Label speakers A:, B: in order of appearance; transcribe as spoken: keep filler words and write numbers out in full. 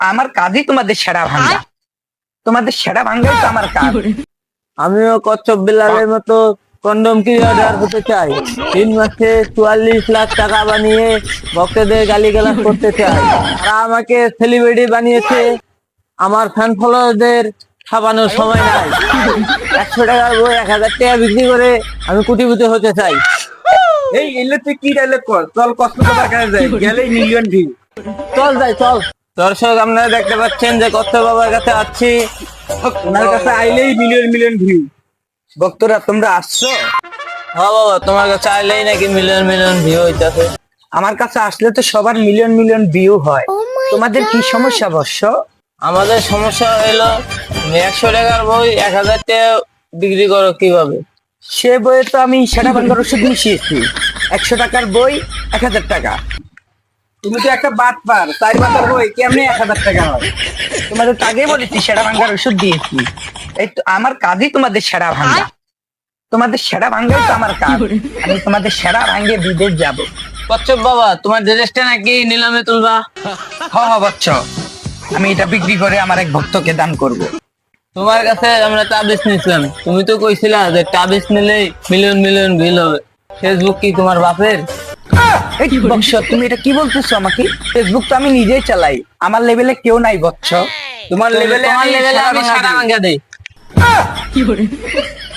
A: আমার কাজই তোমাদের সেরা ভাঙ্গা। তোমাদের সেরা ভাঙ্গাই তো আমার কাজ।
B: আমিও কচ্ছপ বিলালের মতো কন্ডম ক্রিয়েটর হতে চাই। তিন মাসে চুয়াল্লিশ লাখ টাকা বানিয়ে ভক্তদের গালিগালাজ করতে চাই। তারা আমাকে সেলিব্রিটি বানিয়েছে, আমার ফ্যান ফলোয়ারদের ছাপানোর সময় নাই। একশো টাকার বই এক হাজার টাকা বিক্রি করে আমি কোটিপতি হতে চাই।
C: এই এলে তুই কি ডায়লগ কর, চল কক্সবাজার কাছে যাই, গেলেই মিলিয়ন ভিউ।
B: চল যাই চল। দর্শক আপনারা দেখতে পাচ্ছেন যে কচ্ছপ বাবার কাছে আসছি।
C: ওনার কাছে আইলেই মিলিয়ন মিলিয়ন ভিউ।
A: ভক্তরা তোমরা আসছো?
B: হ্যাঁ বাবা, তোমার কাছে আইলেই নাকি মিলিয়ন মিলিয়ন ভিউ হইতাছে।
A: আমার কাছে আসলে তো সবার মিলিয়ন মিলিয়ন ভিউ হয়। তোমাদের কি সমস্যা বর্ষ?
B: আমাদের সমস্যা হইলো একশো টাকার বই এক হাজার টাকা বিক্রি করো কিভাবে?
A: সে বইয়ে তো আমি সেরা ভাঙ্গার ওষুধ মিশিয়েছি। একশো টাকার বই এক হাজার টাকা।
C: তুমি তো একটা বাট পার, চার পাতার বই কেমনে এক হাজার টাকা হয়?
A: তোমাদের তো আগেই বলেছি সেরা ভাঙ্গার ওষুধ দিয়েছি। এই তো আমার কাজই তোমাদের সেরা ভাঙ্গা। তোমাদের সেরা ভাঙ্গাই তো আমার কাজ। আমি তোমাদের সেরা ভাঙ্গে বিদেশ যাব।
B: কচ্ছপ বাবা, তোমার ড্রেসটা নাকি নিলামে তুলবা?
A: হ হ বচ্চ, আমি এটা বিক্রি করে আমার এক ভক্তকে দান করব।
B: তোমার কাছে আমরা তাবিজ নিছিলাম, তুমি তো কইছিলা যে তাবিজ নিলেই মিলিয়ন মিলিয়ন ভিউ হবে। ফেসবুক কি তোমার বাপের?
A: এই বৎস, তুমি এটা কি বলতেছো আমাকে? ফেসবুক তো আমি নিজেই চালাই, আমার লেভেলে কেউ নাই বৎস।
C: তোমার লেভেলে
B: তোমার
C: আমি
B: লেভেলে
C: সারা
B: আমি
C: বাংলা
B: সারা
C: দিই।
B: ভাঙ্গা দেই।